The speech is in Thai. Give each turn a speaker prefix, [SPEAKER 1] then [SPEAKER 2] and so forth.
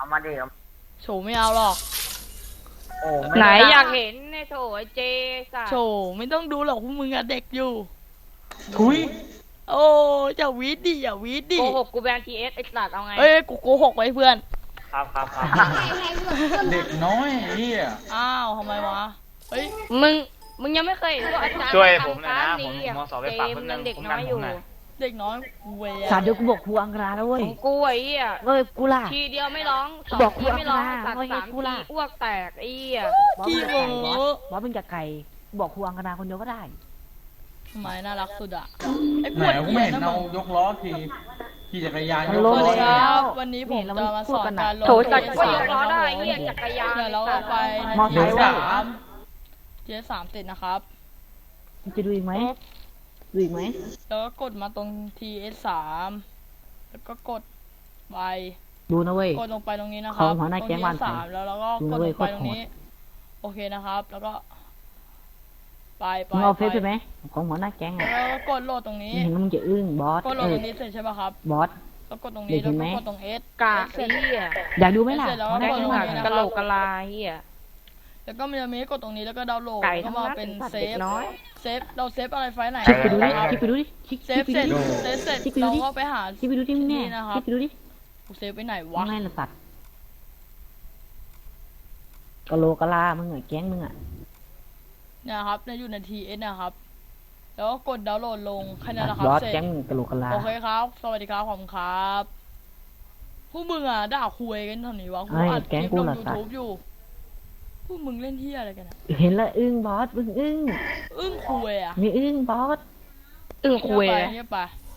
[SPEAKER 1] มาดิ
[SPEAKER 2] โฉไม่เอาหรอก
[SPEAKER 1] โอ้
[SPEAKER 3] ไหนอยากเห็นในโถไอเจสั
[SPEAKER 2] โฉไม่ต้องดูหรอกพวกมึงอะเด็กอยู่
[SPEAKER 4] ทุย
[SPEAKER 2] โอ้อย่าวีดดิอย่าวีดดิ
[SPEAKER 3] โกหกกูแบนทีเอสไอสัตว์เอาไง
[SPEAKER 2] เอ้ยกูโกหกไว้เพื่อน
[SPEAKER 1] ครับ
[SPEAKER 4] เด็กน้อยเฮีย
[SPEAKER 2] อ้าวทำไมวะเฮ้ย
[SPEAKER 3] มึงยังไม่เคยเห็นพวกอาจารย์
[SPEAKER 1] ช่วยผมหน่อยนะผม
[SPEAKER 3] ม
[SPEAKER 1] มสอบไปฝากเพิ่มนึง
[SPEAKER 3] เด็กน้อยอยู่
[SPEAKER 2] เด็กน้อยเว้ย
[SPEAKER 5] สารเดี๋ยวกูบอกครูอังคารแล้วเว้ย
[SPEAKER 3] ของกูไอ้เหี้ย
[SPEAKER 5] เอ้ยกูล่ะ
[SPEAKER 3] ทีเดียวไม่ร้องสองทีไม่ร้องตัดสามทีอ้วกแตกไอ้เหี้ย
[SPEAKER 2] ขี้โง่
[SPEAKER 5] บอสมึงจะไก่บอกครูอังคารคนเดียวก็ได้
[SPEAKER 2] ทำไมน่ารักสุดอะไอ้
[SPEAKER 4] ไหน
[SPEAKER 2] ปวด
[SPEAKER 4] กู
[SPEAKER 2] เหี้
[SPEAKER 4] ไม่
[SPEAKER 2] ย
[SPEAKER 4] เห็น
[SPEAKER 2] นะ
[SPEAKER 4] เอา
[SPEAKER 2] มึง
[SPEAKER 4] ยกล้อทีขี่จักรยานยก
[SPEAKER 2] ส
[SPEAKER 4] ล้อ
[SPEAKER 2] วัสดีค
[SPEAKER 4] เนี่ย
[SPEAKER 2] รับวันนี้ผมจะมาสอนการลง
[SPEAKER 3] โถจัดก็ยกล้อได้เหี้ยจักรยาน
[SPEAKER 2] เดี๋ยวเราไป
[SPEAKER 5] มอไซค์
[SPEAKER 2] สา
[SPEAKER 5] ว่ะ
[SPEAKER 2] มเทียสามติดนะครับ
[SPEAKER 5] จะดูอีกไหมดูอีกไหม
[SPEAKER 2] แล้วก็กดมาตรง TS3 แล้วก็กดไป
[SPEAKER 5] ดูนะเว้ย
[SPEAKER 2] กดลงไปตรงนี้นะค
[SPEAKER 5] ข
[SPEAKER 2] รั
[SPEAKER 5] อบ งหัวหน้าแก๊งวัน
[SPEAKER 2] ตร TS3 แล้วเราก็
[SPEAKER 5] ดู
[SPEAKER 2] ก
[SPEAKER 5] นะ
[SPEAKER 2] ด
[SPEAKER 5] เว้
[SPEAKER 2] ล
[SPEAKER 5] ย
[SPEAKER 2] งไปตรงนี้ โอเคนะครับ แล้วก็ ไป
[SPEAKER 5] มึงเอาเฟซใช่ไหมของหัวหน้าแก๊ง
[SPEAKER 2] แล้
[SPEAKER 5] อ่ะ
[SPEAKER 2] วก็กดโหลดตรงนี้
[SPEAKER 5] เห็นมึงจะอึ้งบอส
[SPEAKER 2] กดโหลด
[SPEAKER 5] เอ้
[SPEAKER 2] ตร
[SPEAKER 5] ย
[SPEAKER 2] งนี้เสร็จใช่ป่ะครับ
[SPEAKER 5] บอส
[SPEAKER 2] แล้วกดตรง
[SPEAKER 5] เด็
[SPEAKER 2] นี้
[SPEAKER 5] ก
[SPEAKER 2] แล้ว
[SPEAKER 5] เห็นไหม
[SPEAKER 2] ก็กดตรง S
[SPEAKER 3] กากไอ้เหี้ย
[SPEAKER 5] อยากดูไหมล่ะ
[SPEAKER 2] เสร็จแล้ว
[SPEAKER 5] หัวหน้า
[SPEAKER 2] ก็
[SPEAKER 5] แก๊ง
[SPEAKER 2] กด
[SPEAKER 5] อ่ะ
[SPEAKER 2] ลง
[SPEAKER 3] กะโหลกกะลาเหี้ย
[SPEAKER 2] แล้วก็มันจะมีให้กดตรงนี้แล้วก็ดาวน์โหลด
[SPEAKER 3] ไก่
[SPEAKER 2] แล้วก็
[SPEAKER 3] ทั้ง
[SPEAKER 2] มา
[SPEAKER 3] นั้น
[SPEAKER 2] เป็น
[SPEAKER 3] สัตว์
[SPEAKER 2] เซ
[SPEAKER 3] เด็
[SPEAKER 2] ฟ
[SPEAKER 3] กน้อย
[SPEAKER 2] เซฟเราเซฟอะไรไฟล์ไหน
[SPEAKER 5] คลิกไปดูดิ
[SPEAKER 2] นะครับ
[SPEAKER 5] คลิกไปดูดิคลิก
[SPEAKER 2] เซฟ
[SPEAKER 5] ไป
[SPEAKER 2] เสร็จ
[SPEAKER 5] ดูดิ
[SPEAKER 2] เซฟเสร็จ
[SPEAKER 5] คลิกไปดู
[SPEAKER 2] เรา
[SPEAKER 5] ดิ
[SPEAKER 2] ก็ไปหา
[SPEAKER 5] คลิกไปดูที่มึงแน่
[SPEAKER 2] นะค
[SPEAKER 5] ครับ ลิกไปดูดิ
[SPEAKER 2] กูเซฟไปไหน
[SPEAKER 5] ว่าว
[SPEAKER 2] ะ
[SPEAKER 5] ไงล่ะสัตว์กะโหลกะลามึงอ่ะแก๊งมึงอ่ะ
[SPEAKER 2] เนี่ยครับเนี่ยอยู่ใน TS นะครับ แล้วก็กดดาวน์โหลดลงแค่นั้นแหละครับ
[SPEAKER 5] บอส
[SPEAKER 2] เสร็จ
[SPEAKER 5] แก๊งมึงกะโหลกะลา
[SPEAKER 2] โอเคครับ สวัสดีครับผมครับพวกมึงอ่ะด่าคุยกันเท่านี้วะกูอัดคลิปลง YouTube อยู่พวกมึงเล่นเที่ยอะไรกันอะ
[SPEAKER 5] เห็นแล้วอึ้งบอสมึงอึ้ง
[SPEAKER 2] อึ้งคุยอ่ะ
[SPEAKER 5] มีอึ้งบอส
[SPEAKER 3] อึ้งคุย
[SPEAKER 2] เงี
[SPEAKER 3] เลย
[SPEAKER 2] บไป